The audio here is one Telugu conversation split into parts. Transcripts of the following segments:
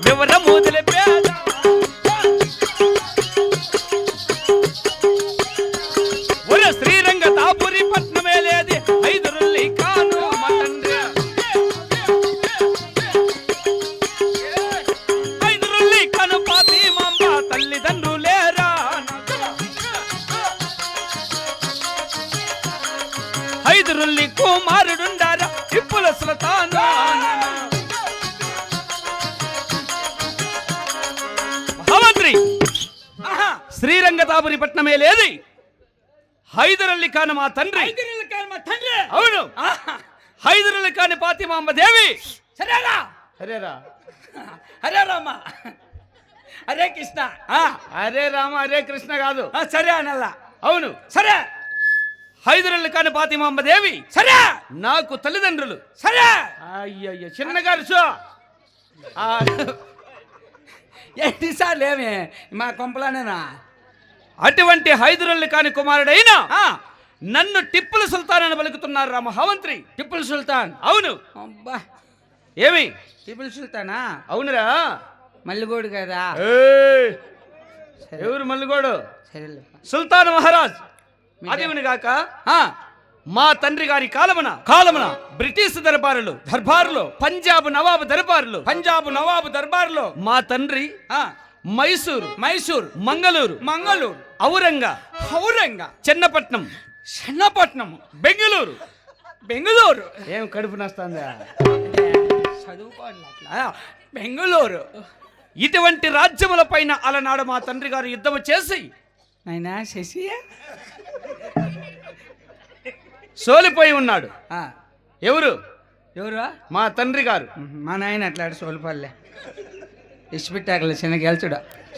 వివరము తెలిపేదా ఒరే శ్రీరంగ తాపురి పట్నమే లేది హైదరుల్లి కాను మా తండ్రి హైదరుల్లి కాను ఫాతిమాంబ తల్లిదండ్రులేరా హైదరుల్లి కుమారుడుండారా టిప్పుల సుల్తాను మహామంత్రి శ్రీరంగతాపురి పట్నమే లేది హైదరల్లి ఖాన్ మా తండ్రి అవును హైదరల్లి ఖాన్ ఫాతిమాంబ దేవి సరేరా హరేరా హరే రామ హరే కృష్ణ హరే రామ హరే కృష్ణ కాదు సరే అనల్లా అవును సరే హైదరల్లి ఖాన్ ఫాతిమాంబ దేవి సరే నాకు తల్లిదండ్రులు సరే అయ్యయ్య చిన్నగారు షో ఎన్నిసార్లు ఏమి మా కొంపలానేనా అటువంటి హైదరల్లి ఖాన్ కుమారుడైన నన్ను టిప్పుల సుల్తాన్ అని పలుకుతున్నారు రా మహామంత్రి టిప్పుల్ సుల్తాన్ అవును అబ్బా ఏమి టిప్పుల్ సుల్తానా అవునురా మల్లిగోడు కదా ఎవరు మల్లిగోడు సరేలే సుల్తాన్ మహారాజ్ అదేవిని గాక మా తండ్రి గారి కాలమున బ్రిటిష్ దర్బారులో పంజాబ్ నవాబు దర్బారులో మా తండ్రి మైసూర్ మంగళూరు ఔరంగా చెన్నపట్నం బెంగళూరు ఏం కడుపు నస్తుందా చదువుకోవాలి బెంగళూరు ఇటువంటి రాజ్యముల పైన అలనాడు మా తండ్రి గారు యుద్ధము చేసి అయినా శశి సోలిపోయి ఉన్నాడు ఎవరు మా తండ్రి గారు మా నాయన అట్లాడు సోలిపల్లె ఇచ్చిపెట్టాకలే చిన్న గెలుచుడా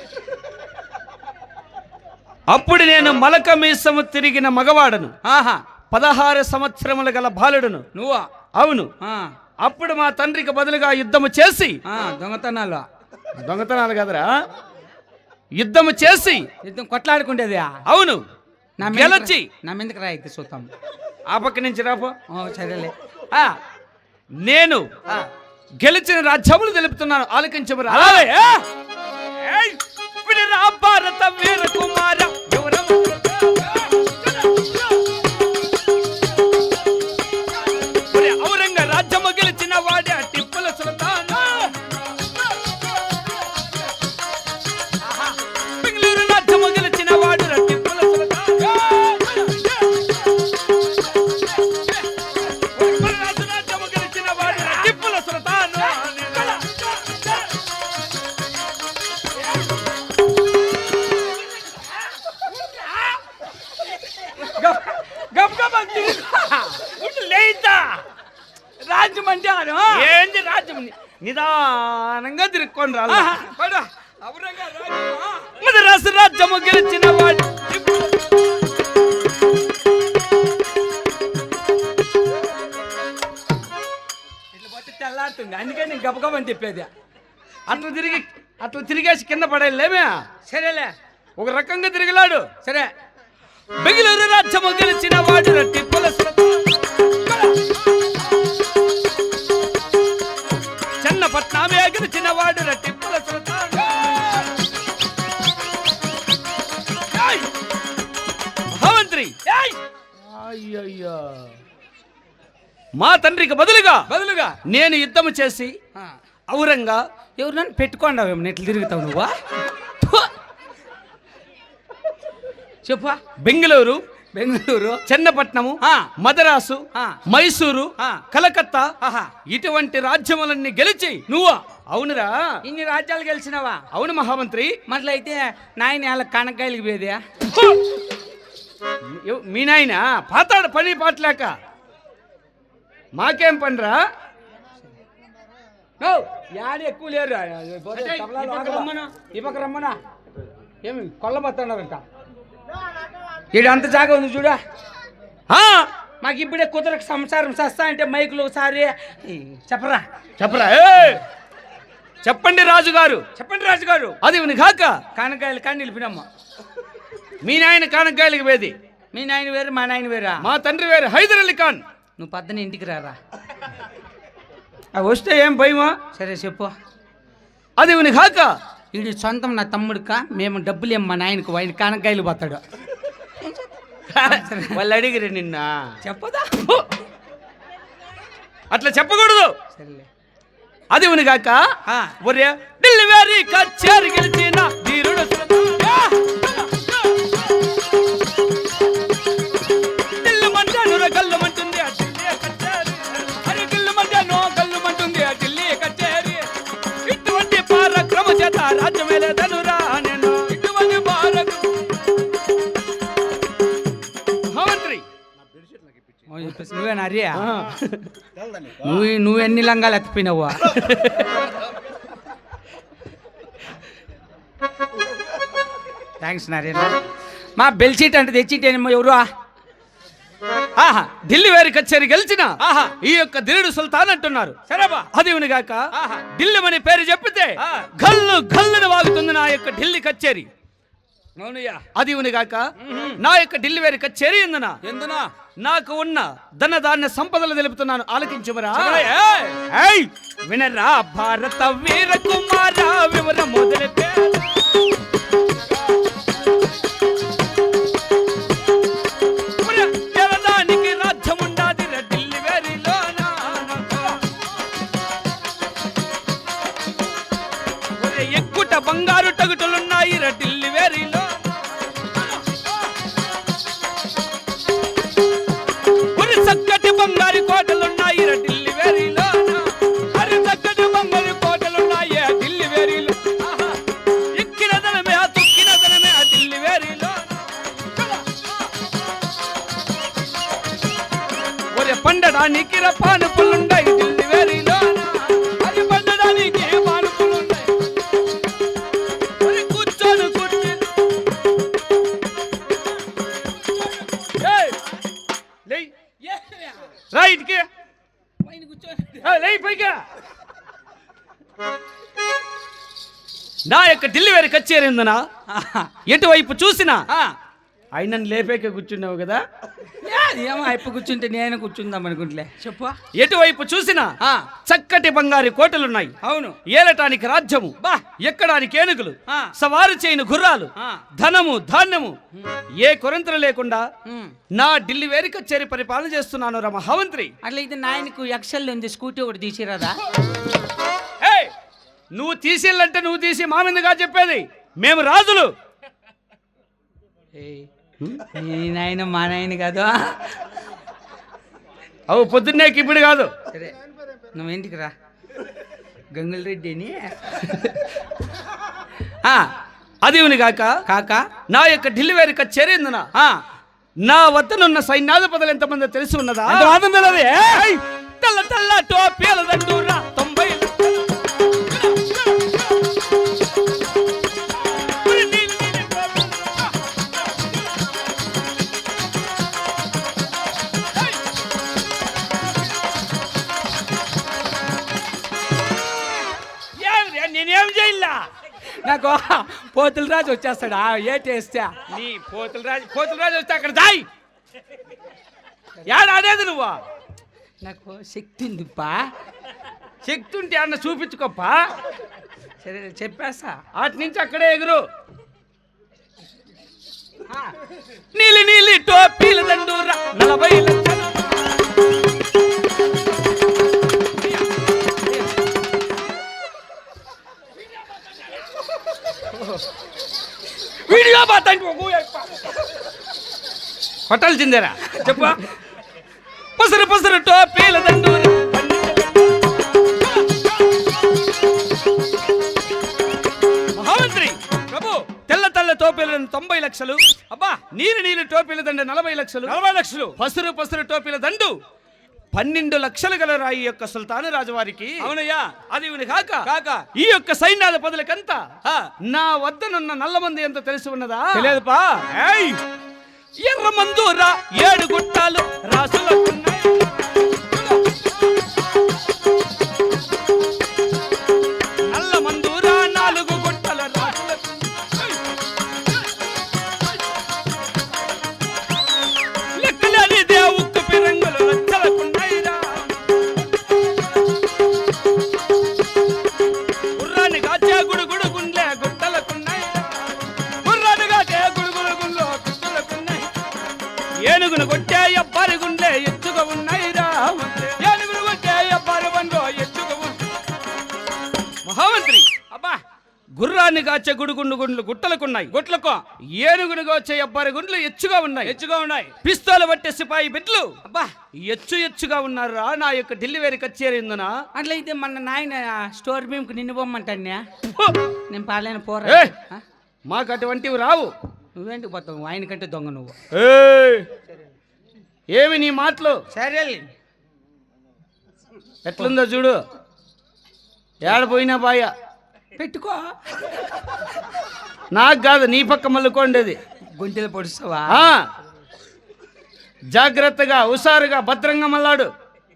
అప్పుడు నేను మలక మీసము తిరిగిన మగవాడను 16 సంవత్సరముల గల బాలుడును నువ్వా అవును అప్పుడు మా తండ్రికి బదులుగా యుద్ధము చేసి దొంగతనాలు కదరా యుద్ధము చేసి యుద్ధం కొట్లాడుకుంటేది అవును గెలచి నా మీదకి రా అయితే చూద్దాం ఆ పక్క నుంచి రాపో సరేలే నేను గెలిచిన రాజ్యములు తెలుపుతున్నాను ఆలకించమరా భారత వీర కుమార ఔరంగ రాజ్యము గెలిచిన వాడే టిప్పుల సుల్తాన్ బెంగళూరు రాజ్యము గెలిచిన వాడు టిప్పుల సుల్తాన్ రాజ్యము గెలిచిన వాడు టిప్పుల సుల్తాన్ రాజ్యం అంటే ఏంది రాజ్యం నిదానంగా తిరుక్కొని రాదు మద్రాసు రాజ్యము గెలిచిన వాడు ఇట్లా పోతే తెల్లారుతుంది అందుకే నేను గబగబని చెప్పేది అట్లా తిరిగేసి కింద పడేలేమే సరేలే ఒక రకంగా తిరిగిలాడు సరే బెంగళూరు రాజ్యము గెలిచిన వాడు టిప్పుల చెన్నపట్నమే గెలిచిన వాడు టిప్పుల సుల్తాన్ మహామంత్రి మా తండ్రికి బదులుగా నేను యుద్ధము చేసి ఔరంగా ఎవరు నన్ను పెట్టుకోండావేమో నెట్లు తిరుగుతావు నువ్వా చెప్పా బెంగళూరు చెన్నపట్నము మద్రాసు మైసూరు కలకత్తా ఇటువంటి రాజ్యములన్నీ గెలిచి నువ్వు అవునురా ఇన్ని రాజ్యాలు గెలిచినవా అవును మహామంత్రి మట్లయితే నాయన వాళ్ళ కనకాయలకి పోయేదా మీ నాయన పాతాడు పని పాటలేక మాకేం పనిరా యాడ ఎక్కువ లేరు ఈ పక్క రమ్మనా ఏమి కొల్లబోతున్నారంట ఈడంత జాగా ఉంది చూడా మాకు ఇప్పుడే కుదరకు సంసారం సస్తా అంటే మైకులు ఒకసారి చెప్పరా చెప్పండి రాజుగారు అది కాక కానకాయలు కానీ నిలిపినమ్మ మీ నాయన కానకాయలకి వేది మీ నాయన వేరు మా నాయన వేరా మా తండ్రి వేరు హైదరల్లి ఖాన్ నువ్వు పద్దన ఇంటికి రారా వస్తే ఏం భయమా సరే చెప్పు అది ఇవని కాక వీడి సొంతం నా తమ్ముడిక మేము డబ్బులు ఏం మా నాయనకు ఆయన కానకాయలు పోతాడు. వాళ్ళు అడిగిరే నిన్న చెప్పదా? అట్లా చెప్పకూడదు. సరేలే. అది ఇవని కాక ఒరే ఢిల్లీ వారి కచేరి గెలిచిన ధీరుడు ఢిల్లీ మంటాను కళ్ళు మంటుంది ఆ ఢిల్లీ కచేరి. అరే ఢిల్లీ మంటాను కళ్ళు మంటుంది ఆ ఢిల్లీ కచేరి. ఇటువంటి పరాక్రమ చేత రాజ్యమేలేదనురా నేను. ఇటువంటి మహామంత్రి నువ్వేనా అరియా? నువ్వు ఎన్ని లంగాలు ఎత్తిపోయినావా? థ్యాంక్స్ నారాయణ. మా బెల్ షీట్ అంటే తెచ్చిటేనమ్మా. ఎవరు? ఆహా ఢిల్లీ వారి కచేరి గెలిచిన ఈ యొక్క దిల్లుడు సుల్తాన్ అంటున్నారు. సరేబా అది గాక ఢిల్లీ అని పేరు చెప్పితే గల్లు గల్లును వాగుతుంది నా యొక్క ఢిల్లీ కచేరి. అవునయ్యా. అది గాక నా యొక్క ఢిల్లీ వారి కచేరి ఎందునా నాకు ఉన్న ధన ధాన్య సంపదలు తెలుపుతున్నాను, ఆలకించుమరా. వినరా భారత వీర కుమార వివర మొదలెట్టే బంగారు టగుటలున్నాయి ఢిల్లీ వేరిలో. మరి చక్కటి బంగారు కోటలున్నాయి ఢిల్లీ వేరిలో. మరి చక్కటి బంగారు కోటలున్నాయి ఢిల్లీ వేరిలో. ఎక్కిన ధనమే తొక్కిన ధనమే ఢిల్లీ వేరిలో. ఒరే పండడానికి పానుపులుండాయి ఢిల్లీ వేరిలో. అది పండడానికి రైట్కి పైగా నా యొక్క ఢిల్లీ వారి కచేరి ఉందనా ఎటువైపు చూసినా ఆయనను లేపేకే కూర్చున్నావు కదా. ఏమో అయిపో కూర్చుంటే నేను కూర్చుందాం అనుకుంటలే. చెప్పు. ఎటువైపు చూసినా చక్కటి బంగారు కోటలున్నాయి. అవును. ఏలటానికి రాజ్యము, ఎక్కడానికి ఏనుగులు, సవారు చేయని గుర్రాలు, ధనము ధాన్యము, ఏ కొరంతలు లేకుండా నా ఢిల్లీ వేరి కచేరి పరిపాలన చేస్తున్నాను రా మహామంత్రి. అట్లయితే నాయనకు ఎక్సెల్ ఉంది, స్కూటీ ఒకటి తీసిరాదా? నువ్వు తీసేళ్ళంటే నువ్వు తీసి మామిందుగా చెప్పేది. మేము రాజులు. నీ నాయన మా నాయన కాదు. అవు పొద్దున్నేకి ఇప్పుడు కాదు. సరే నువ్వేంటికి రా గంగుల రెడ్డి అని. అది కాక కాక నా యొక్క ఢిల్లీ వారి కచేరి ఉందనా నా వద్దనున్న సైన్యాధిపతులు ఎంతమంది తెలిసి ఉన్నదా? తెల్ల తెల్ల టోపీల దండూరా 90 నేనేం చేయాల? నాకు పోతుల రాజు వచ్చేస్తాడా? ఏటేస్తే నీ పోతుల రాజు వస్తే అక్కడ దాయి ఆడేది నువ్వా? నాకు శక్తి ఉందిప్పా. శక్తి ఉంటే అన్న చూపించుకోప్పా. సరే చెప్పేస్తా. అటు నుంచి అక్కడే ఎగురు. నీలి నీలి టోపీల దండూరా 40 లక్షలు. వీడియో హోటల్ చిందేరా చెప్పు. పసరు పసరు టోపీల దండూరా మహామంత్రి ప్రభు. తెల్ల తెల్ల టోపీలను 90 లక్షలు. అబ్బా నీరు నీరు టోపీల దండ 40 లక్షలు. 40 లక్షలు. పసరు పసరు టోపీల దండు 12 లక్షలు గల రాయి యొక్క సుల్తాను రాజువారికి. అవునయ్యా. అది కాక ఈ యొక్క సైన్యాధిపతులకంతా నా వద్దనున్న నల్లమంది ఎంత తెలిసి ఉన్నదా? తెలియదుపా. ఎర్ర మందూరా 7 గుట్టాలు రాసులకున్నాయి. నల్ల మందూరా 4 గుట్టల రాసులకు. లెక్కలేని దేవుక్కు పిరంగులు లచ్చలకున్నాయిరా. గుర్రాన్ని కాచే గుర్రాన్ని కాచే గుడుగుండు గుండ్లు గుట్టలకున్నాయి. గుట్లకు ఏనుగును కాచే అబ్బారి గుండ్లు ఎచ్చుగా ఉన్నాయి. పిస్తోలు పట్టే సిపాయి బిడ్లు అబ్బా ఎచ్చుగా ఉన్నారా నా యొక్క ఢిల్లీ కచేరీ ఉందనా? అట్లయితే మన నాయన స్టోర్ రూమ్కి నిన్ను పోమ్మంటాన్యా? నేను పాలైన ఏయ్! పోరా. మాకు అటువంటివి రావు. నువ్వేంటికి పోతావు? ఆయన కంటే దొంగ నువ్వు. ఏయ్! ఏమి నీ మాటలు? సరే ఎట్లుందో చూడు. ఏడపోయినా బాయ పెట్టుకో. నాకు కాదు, నీ పక్క మల్లుకోండేది. గుంటెలు పొడుస్తావా? జాగ్రత్తగా హుషారుగా భద్రంగా మల్లాడు.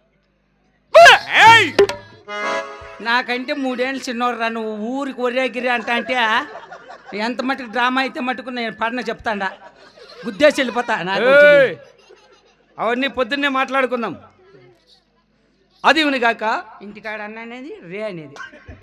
నాకంటే 3 ఏళ్ళు చిన్నోడు రా. నువ్వు ఊరికి ఒరేగిరి అంటే ఎంత మటుకు డ్రామా అయితే మటుకు నేను పడిన చెప్తాడా, గుద్దేసి వెళ్ళిపోతా. నాకు ఏయ్! అవన్నీ పొద్దున్నే మాట్లాడుకుందాం. అది ఉనిగాక ఇంటికాడ అన్న అనేది రే అనేది.